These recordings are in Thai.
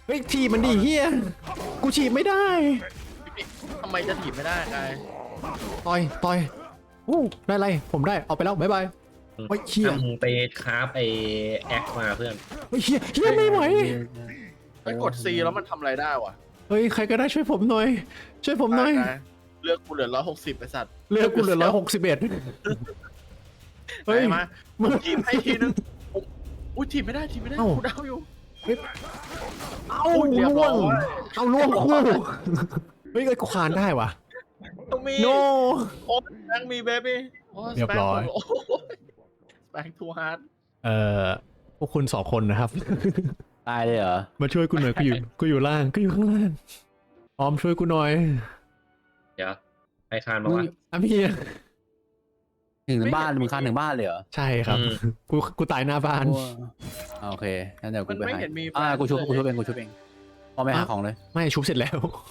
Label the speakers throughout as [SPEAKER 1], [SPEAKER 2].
[SPEAKER 1] เฮ้ยถีบมันดิเฮียกูฉีบไม่ได้
[SPEAKER 2] ทำไมจะถีบไม่ได้ไง
[SPEAKER 1] ต่อยได้ไรผมได้เอาไปแล้วบ๊ายบายเฮ้ยเฮีย
[SPEAKER 3] ถ้ามึงไปคราฟไอแอคมาเพื่อน
[SPEAKER 1] เฮ้ยเฮียไม่ไหว
[SPEAKER 2] ไปกด C แล้วมันทำอะไรได้วะ
[SPEAKER 1] เฮ้ยใครก็ได้ช่วยผมหน่อยช่วยผมหน่อย
[SPEAKER 2] ได้เลือกกูเหลือ160ไปสัตว์
[SPEAKER 1] เลือกกูเหลือ161เฮ้ย
[SPEAKER 2] มามึงถีบให้ทีนึงอุ้ยถีบไม่ได้กูเดาอยู่
[SPEAKER 1] เอา
[SPEAKER 2] เรียบร้
[SPEAKER 1] ล่ว
[SPEAKER 2] อย
[SPEAKER 1] งเอาล่วงคู่เฮ้ยกูคานได้วะ
[SPEAKER 2] ต้องมี
[SPEAKER 1] โน
[SPEAKER 2] โอ้แบงมีเบบี้
[SPEAKER 1] เรียบร้อย
[SPEAKER 2] แบงทูฮาร์ด
[SPEAKER 1] พวกคุณ2 คนนะครับ
[SPEAKER 4] ตายเลยเหรอ
[SPEAKER 1] มาช่วยกูหน่อยกูอยู่ล่างกูอยู่ข้างล่างออมช่วยกูหน่อย
[SPEAKER 3] เดี๋ยวใครคานมาวะ
[SPEAKER 1] อ่ะพี่
[SPEAKER 4] ถึงบ้านมึงคานถึงบ้านเลยเหรอ
[SPEAKER 1] ใช่ครับ
[SPEAKER 3] อืม
[SPEAKER 1] กูตายหน้าบ้าน
[SPEAKER 4] โอเคงั้นเดี๋ยว
[SPEAKER 2] มั
[SPEAKER 4] กู
[SPEAKER 2] น
[SPEAKER 4] ไป
[SPEAKER 2] ไม่
[SPEAKER 4] หา
[SPEAKER 2] เห็นมี
[SPEAKER 4] กูชุบเองพอไปหาของเลย
[SPEAKER 1] ไม่ชุบเสร็จแล้ว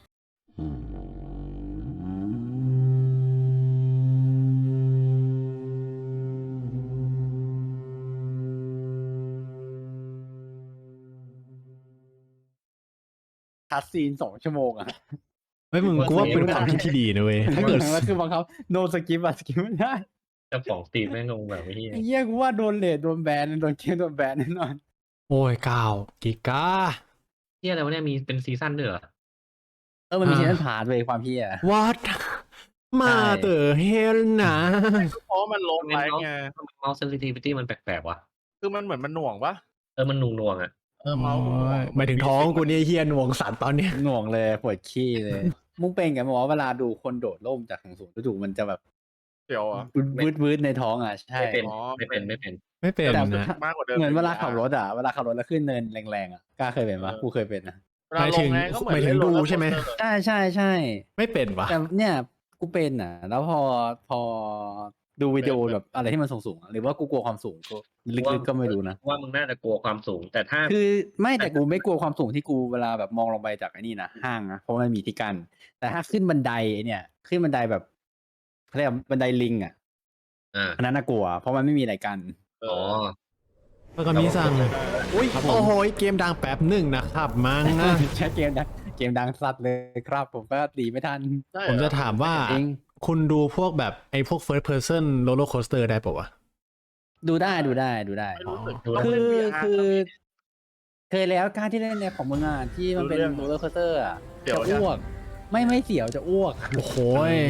[SPEAKER 4] คัดซีน2 ชั่วโมงอะ
[SPEAKER 1] เฮ้ยมึงกูว่าเป็นความคิดที่ดีนะเว้ยถ้าเกิด
[SPEAKER 4] แล้วคือบังคับโนสกิปอะสกิปไม่ได้
[SPEAKER 3] เจ้าของสตรีมแม่งงงแบบนี้
[SPEAKER 4] ไอ้เหี้ยกูว่าโดนเลทโดนแบนโดนเกมโดนแบนแน่นอน
[SPEAKER 1] โอ้ย9 กิกา
[SPEAKER 3] เที่ยอะไรวะเนี่ยมีเป็นซีซั่นด้วยเหรอ
[SPEAKER 4] มันมีเชนผ่านเลยความเหี้ย
[SPEAKER 1] What มาเตอร์เฮลนะ
[SPEAKER 2] เพราะมันลงไลน์ไง
[SPEAKER 3] เมาส์เซนซิทิวิตี้มันแปลกๆวะ
[SPEAKER 2] คือมันเหมือนมันหน่วงปะ
[SPEAKER 3] มันนุ่งๆอ่ะ
[SPEAKER 2] เมาส์
[SPEAKER 1] หมายถึงท้องกูเนี่ยเฮียหน่วงสันตอนเนี้ย
[SPEAKER 4] หน่วงเลยปวดขี้เลย มุ้งเป็นกันบอกว่าเวลาดูคนโดดร่มจากสูงจู่ๆมันจะแบบ
[SPEAKER 2] เดี๋ยวอ่ะ
[SPEAKER 4] วืดในท้องอ่ะใช่
[SPEAKER 3] ไม่เป็น
[SPEAKER 2] อ๋อ
[SPEAKER 3] ไม่เป็น
[SPEAKER 1] ไม่เป็น
[SPEAKER 4] แต่
[SPEAKER 1] นะ
[SPEAKER 2] มากกว่าเดิม
[SPEAKER 4] เหมือนเวลาขับรถอ่ะเวลาขับรถแล้วขึ้นเนินแรงๆอ่ะกล้าเคยเป็นปะกูเคยเป็นนะ
[SPEAKER 2] เวลาลงไงก็เหมือน
[SPEAKER 1] หมายถึงดูใช่ไหม
[SPEAKER 4] ใช่
[SPEAKER 1] ไม่เป็นวะ
[SPEAKER 4] แต่เนี่ยกูเป็นอ่ะ แล้วพอดูวิดีโอแบบอะไรที่มันสูงๆอะหรือว่ากูกลัวความสูงก็ลึกๆก็ไม่รู้นะ
[SPEAKER 3] ว่ามึงน่าจะกลัวความสูง แต่ถ้า
[SPEAKER 4] คือไม่แต่กูไม่กลัวความสูงที่กูเวลาแบบมองลงไปจากไอ้นี่นะห้างนะเพราะมันมีที่กั้นแต่ถ้าขึ้นบันไดไอ้เนี่ยขึ้นบันไดแบบเขาเรียกว่าบันไดลิงอ่ะ อันนั้นน่ากลัวเพราะมันไม่มีอะไรกัน
[SPEAKER 3] อ๋อ
[SPEAKER 1] แล้วก็มีสั่งอุ้ย
[SPEAKER 4] ครับผม
[SPEAKER 1] โอ้โหเกมดังแป๊บหนึ่งนะครับมั้งนะ
[SPEAKER 4] ใช่เกมดังสัตว์เลยครับ ผมก็ตีไม่ทัน
[SPEAKER 1] ผมจะถามว่า
[SPEAKER 4] จริง
[SPEAKER 1] คุณดูพวกแบบไอ้พวก first person roller coaster ได้ปะวะ
[SPEAKER 4] ดูได้
[SPEAKER 2] ไม่รู้สึกต้อง
[SPEAKER 4] คื
[SPEAKER 2] เล่น
[SPEAKER 4] อ
[SPEAKER 2] VR
[SPEAKER 4] คือเคยแล้วการที่เล่นในของมึงอ่ะที่มันเป็น
[SPEAKER 2] รู้เรื่อง
[SPEAKER 4] โรลเลอร์โคสเตอร์อ่ะ
[SPEAKER 2] เดี๋ยว
[SPEAKER 4] จะอ้วก ไม่เสียวจะอ้วก
[SPEAKER 1] โอ้โห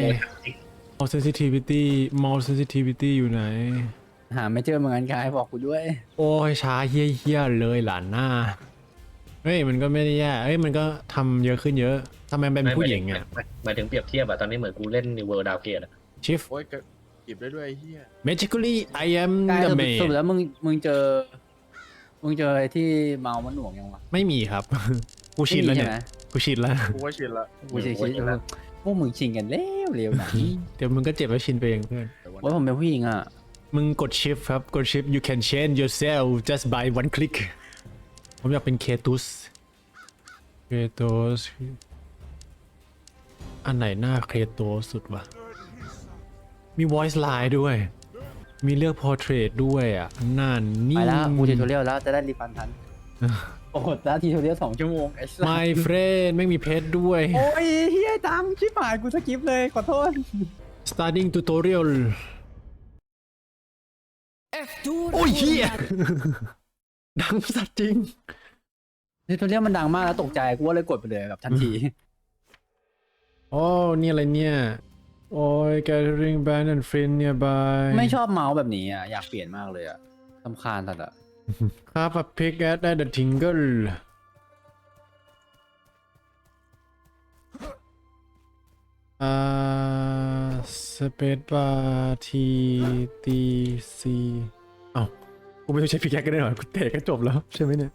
[SPEAKER 1] mouse sensitivity อยู่ไหน
[SPEAKER 4] หาไม่เจอเหมือนกันกายบอกกูด้วย
[SPEAKER 1] โอ้ยช้าเฮี้ยๆเลยหลานหน้า เฮ้ยมันก็ไม่ได้แย่เฮ้ยมันก็ทำเยอะขึ้นเยอะทำไมเป็นผู้หญิงอ่ะ
[SPEAKER 3] หมายถึงเปรียบเทียบอะตอนนี้เหมือนกูเล่น New World Downgrade อะ
[SPEAKER 1] shift
[SPEAKER 2] โอ้ยหยิบได้ด้วยไอ้เหี้ย
[SPEAKER 1] magically I am
[SPEAKER 4] กาย
[SPEAKER 1] the
[SPEAKER 4] ส
[SPEAKER 1] man
[SPEAKER 4] รุปแล้วมึงเจอไอ้ที่เมามันหน่วงยังวะ
[SPEAKER 1] ไม่มีครับ กูชินแล้วเนี่ย
[SPEAKER 4] ไม่มีใช่ไหม
[SPEAKER 1] กูชินแล้ว
[SPEAKER 2] กูว่าชินละ
[SPEAKER 4] กูชิพวกมึงชิงกันเร็วนะ
[SPEAKER 1] เดี๋ยวมึงก็เจ็บแล้วชินไปเองเพื่อน
[SPEAKER 4] ว่าผมเป็นผู้หญิงอ่ะ
[SPEAKER 1] มึงกด shift ครับ กด shift you can change yourself just by one click ผมอยากเป็นเคตุสอันไหนหน้าเคโตสุดวะ มี voice line ด้วย มีเลือก portrait ด้วยอ่ะนั่น
[SPEAKER 4] ไป
[SPEAKER 1] นี่
[SPEAKER 4] แล้วกูทิวทอเรียลแล้วจะได้รีฟันทัน โอ้โหแล้วทิวทอเรียล2 ชั่วโมงไอ้สัส
[SPEAKER 1] my friend ไม่มีเพชรด้วย
[SPEAKER 4] โอ้ยเฮียจังชิบหายกูสกิปเลยขอโทษ
[SPEAKER 1] starting tutorial โอ้ยเฮียดังสัตว์จริง
[SPEAKER 4] ทิวทอเรียลมันดังมากแล้วตกใจกูว่าเลยกดไปเลยแบบทันที
[SPEAKER 1] โอ้นี่อะไรเนี่ย โอ้ย gathering band and friend nearby
[SPEAKER 4] ไม่ชอบเมาส์แบบนี้อ่ะอยากเปลี่ยนมากเลยอ่ะสำคาญสัตว์อ่ะ
[SPEAKER 1] ครับ a pick at the tingle space bar T T C เอ้ากูไม่ต้องใช้พิกแอคกันได้หรอกูเตะก็จบแล้วใช่ไหมเนี่ย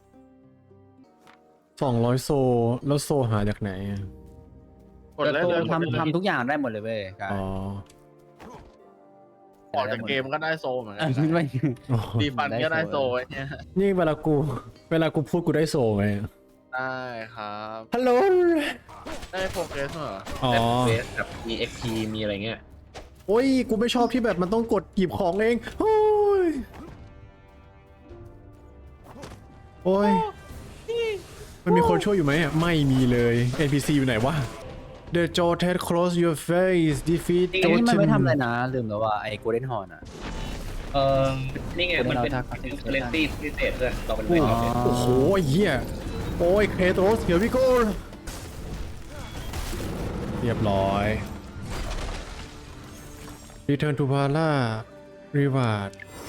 [SPEAKER 1] 200 โซแล้วโซหาจากไหนอะ
[SPEAKER 2] กดเลยเลย
[SPEAKER 4] ทำทุกอย่างได้หมดเลยเว้ยกาย
[SPEAKER 1] อ๋อ
[SPEAKER 2] ออกจากเกมก็ได้โซเหมือนกั
[SPEAKER 4] อ่ะ
[SPEAKER 2] น
[SPEAKER 4] ไม่
[SPEAKER 1] อ๋อ
[SPEAKER 2] ดีฟันก็ได้โซไอ้เนี่ย
[SPEAKER 1] นี่เวลากูพูดกูได้โซไง
[SPEAKER 2] ได้ครับ
[SPEAKER 1] ฮัลโหล
[SPEAKER 2] ได้โปรเกรสเหรอ
[SPEAKER 1] อ๋อ
[SPEAKER 3] เบสกับมี XP มีอะไรเงี้ย
[SPEAKER 1] โอ้ย กูไม่ชอบที่แบบมันต้องกดหยิบของเอง โอ้ย โอ้ยมันมีคนช่วยอยู่ไหมอ่ะไม่มีเลย NPC อยู่ไหนวะ The Jotet close your face defeat
[SPEAKER 4] ไอ้นี่มันไม่ทำอะไร
[SPEAKER 1] Jotun
[SPEAKER 4] นะลืมแล้วว่าไอ้โกลเด้นฮอร์นอ่ะ
[SPEAKER 3] เออนี่ไงมันเป็น
[SPEAKER 4] เราถ้า
[SPEAKER 3] เคอร์เรนซี่พิเศษเพื่อนเราเป็นเวท
[SPEAKER 4] อ๋อ
[SPEAKER 1] โอ้โหเหี้ยโอ้ยเคโตรสเดี๋ยวพี่โก้เรียบร้อย Return to Valhalla Reward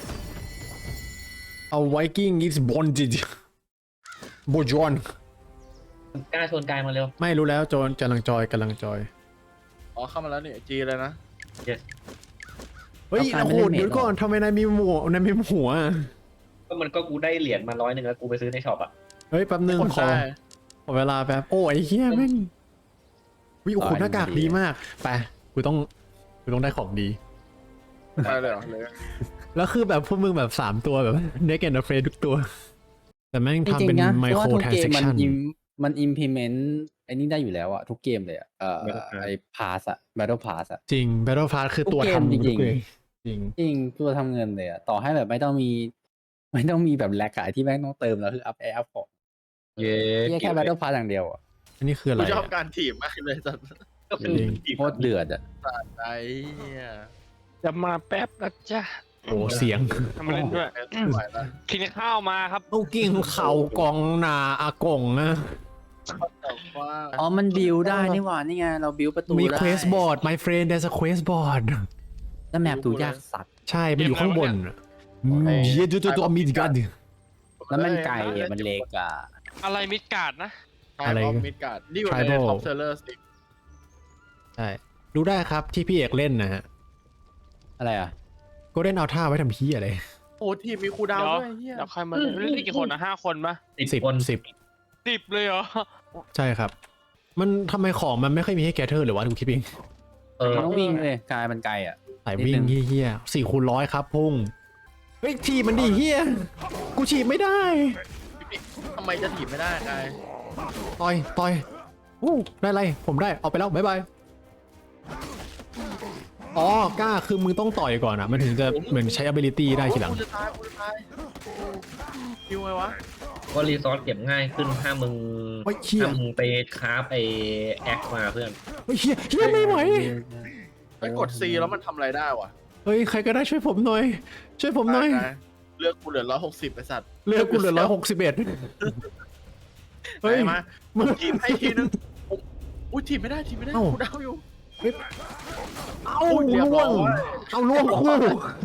[SPEAKER 1] A Viking is bonded โบจอน
[SPEAKER 3] กล้าชวนกายมาเร็ว
[SPEAKER 1] ไม่รู้แล้วโจนกำลังจอย
[SPEAKER 2] อ๋อเข้ามาแล้วนี่จีเลยนะ
[SPEAKER 1] เฮ้ย
[SPEAKER 4] เอาการ
[SPEAKER 1] โอ้
[SPEAKER 4] ไม่
[SPEAKER 1] โห
[SPEAKER 4] เล่นเมจ
[SPEAKER 1] เดี๋ยวก่อนทำไมนายมีหมวกนายมีหัวอะ
[SPEAKER 3] ก็กูได้เหรียญมา100แล้วกูไปซื้อในช็อปอ่ะ
[SPEAKER 1] เฮ้ยแป๊บนึง
[SPEAKER 2] คน
[SPEAKER 1] ขอ
[SPEAKER 2] ได้
[SPEAKER 1] เวลาแป๊บโอ้ไอ้เหี้ยแม่งวิโอ้โหหน้ากากดีมากไปกูต้องได้ของดี
[SPEAKER 2] ไปเลยเหรอเลย
[SPEAKER 1] แล้วคือแบบพวกมึงแบบ3ตัวแบบ Neck and Afraid ทุกตัว แต่แม่ง
[SPEAKER 4] จ
[SPEAKER 1] ทำ
[SPEAKER 4] ริ
[SPEAKER 1] เป็
[SPEAKER 4] ง
[SPEAKER 1] น
[SPEAKER 4] ๆนะเพ
[SPEAKER 1] ไม
[SPEAKER 4] ราะ
[SPEAKER 1] โค
[SPEAKER 4] ว่าร ทุก
[SPEAKER 1] ทราน
[SPEAKER 4] เกม
[SPEAKER 1] เซ
[SPEAKER 4] มัน
[SPEAKER 1] ชัน
[SPEAKER 4] มัน implement ไอ้นี่ได้อยู่แล้วอะทุกเกมเลยอะไอ้ pass อะ battle pass อะ
[SPEAKER 1] จริง Battle Pass คือตัว
[SPEAKER 4] ทุกเกม
[SPEAKER 1] ทำ
[SPEAKER 4] จริงๆ
[SPEAKER 1] ทุกเกมจริง
[SPEAKER 4] จริงตัวทำเงินเลยอะต่อให้แบบไม่ต้องมีแบบแลกอะที่แม่งต้องเติมแล้วคือ up ของ
[SPEAKER 3] เย้
[SPEAKER 4] แค่ battle pass อย่างเดียวอะ
[SPEAKER 1] อันนี้คืออะไร
[SPEAKER 2] กูชอบ
[SPEAKER 1] อะ
[SPEAKER 2] การถีบมากเลยจัด
[SPEAKER 3] ก็เป็น
[SPEAKER 4] โคตรเดือดอะ
[SPEAKER 2] ไอ้เนี่ย
[SPEAKER 5] จะมาแป๊บนะจ๊ะ
[SPEAKER 1] โอ้เสียง
[SPEAKER 5] ทำมาเล่นด้วย
[SPEAKER 2] ไม่ไหวแล้ว
[SPEAKER 5] กินข้าวมาครับ
[SPEAKER 1] เอากิ่งเข่ากองนาอากงนะ
[SPEAKER 2] แต่ว่า
[SPEAKER 4] อ๋อมันบิวได้นี่หว่านี่ไงเราบิวประตู
[SPEAKER 1] มี
[SPEAKER 4] ได้
[SPEAKER 1] quest board my friend there's a quest board
[SPEAKER 4] แล้วแมปดูยากสัตว์
[SPEAKER 1] ใช่ มันอยู่ข้างบนอะ
[SPEAKER 2] ไอ้
[SPEAKER 1] เหี้ยตัวมีกัน
[SPEAKER 4] แล้วมันไกลอะมันเล็กอะ
[SPEAKER 5] อะไรมิดการ์ดนะ
[SPEAKER 1] อะไร
[SPEAKER 2] มิดการ์ดนี่อยู่ใน
[SPEAKER 1] Tribal
[SPEAKER 2] ท็อปเซลเลอร์สิ
[SPEAKER 1] ใช่ดูได้ครับที่พี่เอกเล่นนะฮะ
[SPEAKER 4] อะไรอะ
[SPEAKER 1] ก็เล่นเอาท่าไว้ทำพี่อะไร
[SPEAKER 2] โอ้ทีมมีคูลดาว
[SPEAKER 5] เดี๋ยว
[SPEAKER 2] น์ด้วยเฮีย
[SPEAKER 5] เดี๋ยวใครมาเล่นเล่นกี่คนนะ5 คนปะ
[SPEAKER 3] 10 คน
[SPEAKER 1] 10
[SPEAKER 5] 10เลยเหรอ
[SPEAKER 1] ใช่ครับ มันทำไมของมันไม่ค่อยมีให้แกเธอร์หรือว่ากูคิดเอง
[SPEAKER 4] มันต้องวิ่งเลยกายมันไกลอะ
[SPEAKER 1] สายวิ่ง
[SPEAKER 4] นิดนึง
[SPEAKER 1] เฮี้ย4 คูณ 100ครับพุ่งเฮ้ยทีบมันดีเฮี้ยกูฉีบไม่ได้
[SPEAKER 2] ทำไมจะถีบไม่ได้กาย
[SPEAKER 1] ต่อยอู้ได้ไรผมได้เอาไปแล้วบ๊ายบายอ๋อกล้าคือมึงต้องต่อยก่อนอ่ะมันถึงจะเหมือนใช้ ability ได้ทีหลัง
[SPEAKER 2] กูจะตายคิวไงวะ
[SPEAKER 3] ก็รีซอสเก็บง่ายขึ้นถ้ามึง
[SPEAKER 1] เฮ้ยเฮี้ย
[SPEAKER 3] ถ้ามึงไปคราฟไอแอคมาเพื่อน
[SPEAKER 1] เฮ้ยเฮี้ยไม่ไหว
[SPEAKER 2] ไปกด C แล้วมันทำอะไรได้วะ
[SPEAKER 1] เฮ้ยใครก็ได้ช่วยผมหน่อย ช่วยผมหน่อย
[SPEAKER 2] กายเลือกกูเหลือ160ไอ้สัตว์
[SPEAKER 1] เลือกกูเหลือ161เฮ้ย
[SPEAKER 2] มา
[SPEAKER 1] มึง
[SPEAKER 2] ทีมให้ทีนึงอุ้ยทีมไม่ได้กูดาวอยู่
[SPEAKER 1] เอ้า
[SPEAKER 2] เรียบ
[SPEAKER 1] ล่ว
[SPEAKER 2] ร้อง ย
[SPEAKER 1] เอาล่วงคู่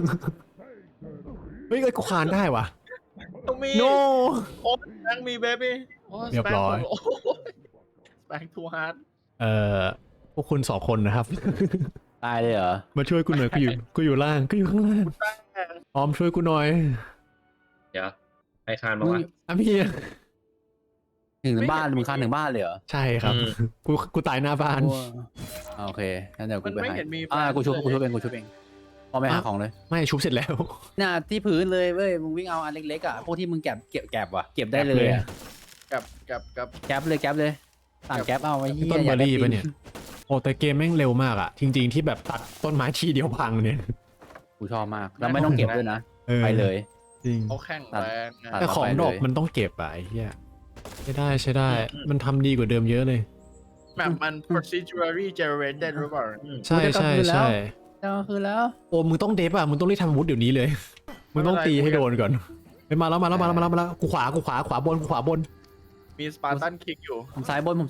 [SPEAKER 1] เฮ้ยกูคานได้วะ
[SPEAKER 2] ต้องมี
[SPEAKER 1] no
[SPEAKER 2] โอ้แบงมีเบบี้
[SPEAKER 1] เรียบร้อย
[SPEAKER 2] แบงทูฮาร์ด
[SPEAKER 1] พวกคุณ2 คนนะครับ
[SPEAKER 4] ตายเลยเหรอ
[SPEAKER 1] มาช่วยกูหน่อยกูอยู่ล่างกูอยู่ข้างล่างออมช่วยกูหน่อย
[SPEAKER 3] เดี๋ยวใครคานมาวะ
[SPEAKER 1] อ่ะพี่
[SPEAKER 4] ถึงบ้านมึงคานถึงบ้านเลยเหรอ
[SPEAKER 1] ใช่ครับ
[SPEAKER 3] อืม
[SPEAKER 1] กูตายหน้าบ้าน
[SPEAKER 4] โอเคงั้นเดี๋ยวกู
[SPEAKER 2] มัน
[SPEAKER 4] ไป
[SPEAKER 2] ไม่
[SPEAKER 4] หา
[SPEAKER 2] เห็นมี
[SPEAKER 4] กูชุบเองพอไปหาของเลย
[SPEAKER 1] ไม่ชุบเสร็จแล้ว
[SPEAKER 4] น่ะที่พื้นเลยเว้ยมึงวิ่งเอาอันเล็กๆอ่ะพวกที่มึงเก็บว่ะเก็บได้เลยอะ
[SPEAKER 2] กับ
[SPEAKER 4] แก๊ปเลยต่างแก๊ปเอาไว้
[SPEAKER 1] พี่
[SPEAKER 4] เฮีย
[SPEAKER 1] ต้นเบอร์รี่
[SPEAKER 4] ยาก
[SPEAKER 1] ปะ
[SPEAKER 4] ได้
[SPEAKER 1] เนี่ยโอ้แต่เกมแม่งเร็วมากอะจริง ๆที่แบบตัดต้นไม้ทีเดียวพังเนี่ย
[SPEAKER 4] กูชอบมากแล้วไม่ต้องเก็บด้วยนะ ไปเลย
[SPEAKER 1] จริง
[SPEAKER 2] เขาแข่งแรงนะ
[SPEAKER 1] แต่ของดอก
[SPEAKER 4] ไปเลย
[SPEAKER 1] มันต้องเก็บอะไอ้เหี้ยใช้ได้ มันทำดีกว่าเดิมเยอะเลย
[SPEAKER 2] แบบมัน procedurally generated หรือเปล่า
[SPEAKER 1] ใช่
[SPEAKER 4] แล้วคือแล้ว
[SPEAKER 1] โอ้มึงต้องเดฟอะมึงต้องรีบทำอาวุธเดี๋ยวนี้เลย มึงต้องตีให้โดนก่อนไปมาแล้วกูขวาบน
[SPEAKER 2] มีสปาร์ตันคิกอยู่
[SPEAKER 4] ผมซ้ายบน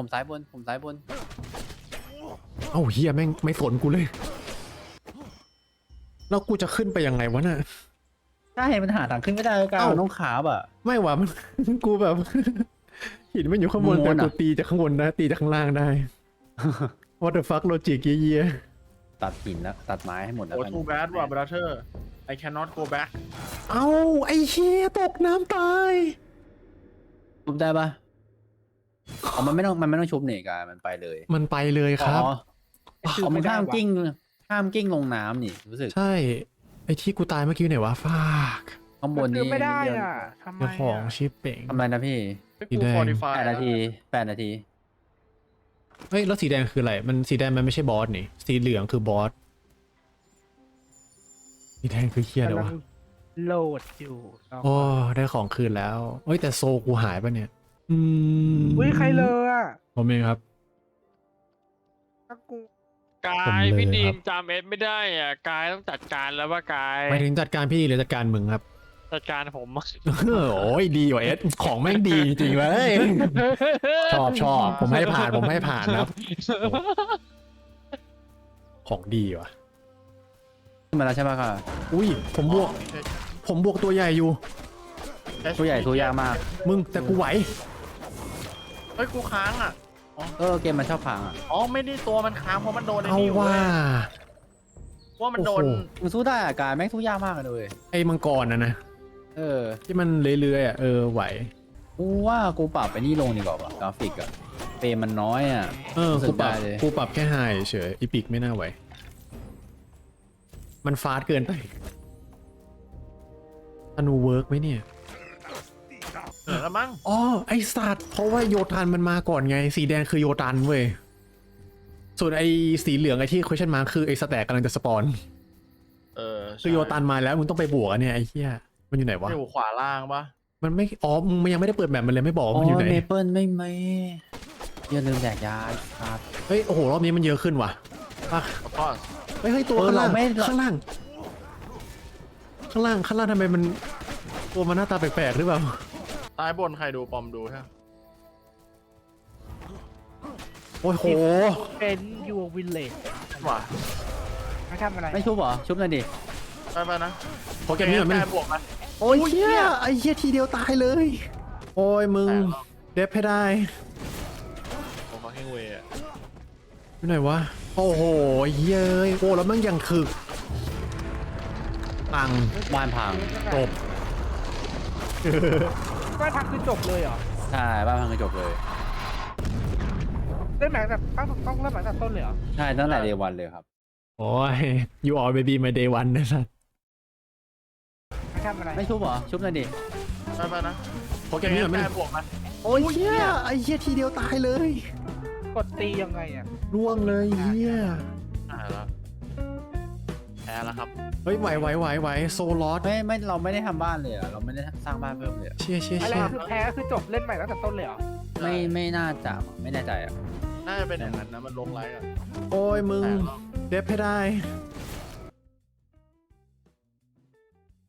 [SPEAKER 1] เอ้าเฮียแม่งไม่สนกูเลย แล้วกูจะขึ้นไปยังไงวะน่ะ
[SPEAKER 4] ใช่มันหาทางขึ้นไม่ได้ก้า
[SPEAKER 1] เอ้า
[SPEAKER 4] น้องขาบอ่ะ
[SPEAKER 1] ไม่วะมัน กูแบบ หินมันอยู่ข้างบน
[SPEAKER 4] ม้
[SPEAKER 1] แต่
[SPEAKER 4] วนๆอะ
[SPEAKER 1] กูตีจากข้างบนนะตีจากข้างล่างได้ What the fuck โลจิกเยี่ย
[SPEAKER 4] ตัดหินแล้วตัดไม้ให้หมดแล้ว
[SPEAKER 2] โอ้
[SPEAKER 4] กัน
[SPEAKER 2] too bad ว่ะ brother I cannot go back
[SPEAKER 1] เอ้าไอ้เฮียตกน้ำตาย
[SPEAKER 4] ชุบได้ปะอ๋อมันไม่ต้องชุบนี่กายมันไปเลย
[SPEAKER 1] มันไปเลยครับ
[SPEAKER 4] อ๋อมันห้ามกิ้งลงน้ำนี่รู้สึก
[SPEAKER 1] ใช่ ไอ้ที่กูตายเมื่อกี้ไหนวะฟาก
[SPEAKER 4] ข้างบนนี้
[SPEAKER 5] ไม่ได้อ่ะทำไม
[SPEAKER 1] เจ้าของชิปเป่ง
[SPEAKER 4] ทำไรนะพี่
[SPEAKER 1] สีแดง
[SPEAKER 2] qualify
[SPEAKER 4] 8 นาที
[SPEAKER 1] เฮ้ยแล้วสีแดงคืออะไรมันสีแดงมันไม่ใช่บอสนี่สีเหลืองคือบอสสีแดงคือเฮียอะไรวะ
[SPEAKER 5] โหลดอยู่
[SPEAKER 1] โอ้ได้ของคืนแล้วเฮ้ยแต่โซกูหายปะเนี่ยอืม
[SPEAKER 6] อุ้ยใครเลยอ่ะ
[SPEAKER 1] ผมเองครับ
[SPEAKER 6] ถ้ากู
[SPEAKER 5] กา
[SPEAKER 1] ผม
[SPEAKER 5] ย
[SPEAKER 1] เลย
[SPEAKER 5] พี่ดี
[SPEAKER 1] ครั
[SPEAKER 5] ม
[SPEAKER 1] บ
[SPEAKER 5] จำเอสไม่ได้อ่ะกายต้องจัดการแล้วว่ากาย
[SPEAKER 1] หมายถึงจัดการพี่หรือจัดการมึงครับ
[SPEAKER 5] จัดการผม
[SPEAKER 1] โอ้ยดีกว่าเอสของแม่งดีจริงๆเลยชอบผมให้ผ่านครับ ของดีว่ะ
[SPEAKER 4] ขึ้นมาแล้วใช่ปะค่ะ
[SPEAKER 1] อุ้ยผมบวกตัวใหญ่อยู่
[SPEAKER 4] ตัวใหญ่ตัวยากมาก
[SPEAKER 1] มึงแต่กูไหว
[SPEAKER 2] เฮ้ยกูค้างอ่ะ
[SPEAKER 4] เกมมันชอบพังอ่ะ
[SPEAKER 2] อ๋อไม่ได้ตัวมันค้างเพราะมันโดนไอ้
[SPEAKER 1] เอา
[SPEAKER 2] นี่อยู่
[SPEAKER 1] ว่า
[SPEAKER 2] เว้ยว่ามันโดน
[SPEAKER 1] โอ้โห
[SPEAKER 4] มันสู้ได้อะกายแม่งสู้ยากมากเลย
[SPEAKER 1] ไอ้มังกรนะ
[SPEAKER 4] เออ
[SPEAKER 1] ที่มันเลื้อยๆอ่ะไหว
[SPEAKER 4] กูว่ากูปรับไปนี่ลงดีกว่าว่ะกราฟิกอะเฟรมมันน้อยอะ รู้สึ
[SPEAKER 1] กู
[SPEAKER 4] ก
[SPEAKER 1] ปรับ
[SPEAKER 4] ได้เลย
[SPEAKER 1] กูปรับแค่ไฮเฉยอีพิกไม่น่าไหว มันฟาสต์เกินไปธนูเวิร์กไหมเนี่ย
[SPEAKER 2] เหนือแล้วมั้ง
[SPEAKER 1] อ๋อไอสัตว์เพราะว่าโยทันมันมาก่อนไง สีแดงคือโยตันเว้ย ส่วนไอสีเหลืองไอที่ question mark คือไอสแต็กกำลังจะสปอน คือโยตันมาแล้วมึงต้องไปบวกอะเนี่ยไอเหี้ยมันอยู่ไหนวะ
[SPEAKER 2] อยู่ขวาล่างปะ
[SPEAKER 1] มันไม่อ๋อมึงยังไม่ได้เปิดแบบมันเลยไม่บอกว่า
[SPEAKER 4] อ๋
[SPEAKER 1] มันอยู่
[SPEAKER 4] อ
[SPEAKER 1] ไหน
[SPEAKER 4] เมเปิลไม่อย่าลืมแดกยาครับ
[SPEAKER 1] เฮ้ยโอ้โหรอบนี้มันเยอะขึ้นว่ะป่ะ
[SPEAKER 2] แล้วก็
[SPEAKER 1] เฮ้ยตัวข้างล่าง
[SPEAKER 4] เราไม่
[SPEAKER 1] ข้างล่างทำไมมันตัวมันหน้าตาแปลกๆหรือเปล่า
[SPEAKER 2] ซ้ายบนใครดูปอมดูใช่ไหม
[SPEAKER 1] โอ้ยโห
[SPEAKER 6] เป็นยูวิลเลจ
[SPEAKER 2] ว่ะ
[SPEAKER 6] ไม่ทำอะไร
[SPEAKER 4] ไม่ชุบเหรอชุบหน่อยดิ
[SPEAKER 2] ไปนะ
[SPEAKER 1] โปรแกรมนี้มันไม่
[SPEAKER 2] แบวกมัน
[SPEAKER 1] โอ้ยเหี้ยไอ้เหี้ยทีเดียวตายเลย โอ้ยมึง
[SPEAKER 2] แต่
[SPEAKER 1] เดฟให้ได้
[SPEAKER 2] โอ้ฟังเฮงเวย์อะ
[SPEAKER 1] อยู่ไหนวะโอ้โหเย้ยโอ้แล้วมันยังถึกปัง
[SPEAKER 4] บ้านพัง
[SPEAKER 1] จบ
[SPEAKER 6] ก็ทักคือจบเลยเหรอ
[SPEAKER 4] ใช่บ้านพังก็จบเลย
[SPEAKER 6] เริ่มหลังจากต้องเริ่มหลังจากต้นเลยเหรอ
[SPEAKER 4] ใช่ตั้งแต่เดวันเลยครับ
[SPEAKER 1] โอ้ย you all baby my day one นะสัส
[SPEAKER 6] ไม่ทำอะไร
[SPEAKER 4] ไม่ชุบเหรอชุบหน่อยดิ
[SPEAKER 2] ไปนะ
[SPEAKER 1] โปรแกรมนี้มันไม่
[SPEAKER 2] แบวกมัน
[SPEAKER 1] โอ้ยเหี้ยไอ้เหี้ยทีเดียวตายเลย
[SPEAKER 6] กดตียังไงอ่ะ
[SPEAKER 1] ร่วงเลยเหี้ย
[SPEAKER 2] แล้วแพ้แล้วครับ
[SPEAKER 1] เฮ้ยไหวโซลอส
[SPEAKER 4] ไม่เราไม่ได้ทำบ้านเลยอะเราไม่ได้สร้างบ้านเพิ่มเลยอะ
[SPEAKER 1] เชี่ย
[SPEAKER 6] อะไรคือแพ้คือจบเล่นใหม่ตั้งแต่ต้นเลยเหรอ
[SPEAKER 4] ไม่น่าจะไม่แน่ใจอะ
[SPEAKER 2] น่าจะเป็นอย่างนั้นนะมันลงไลค์กัน
[SPEAKER 1] โอ้ยมึง
[SPEAKER 2] แต่ก็
[SPEAKER 1] เดฟให้ได้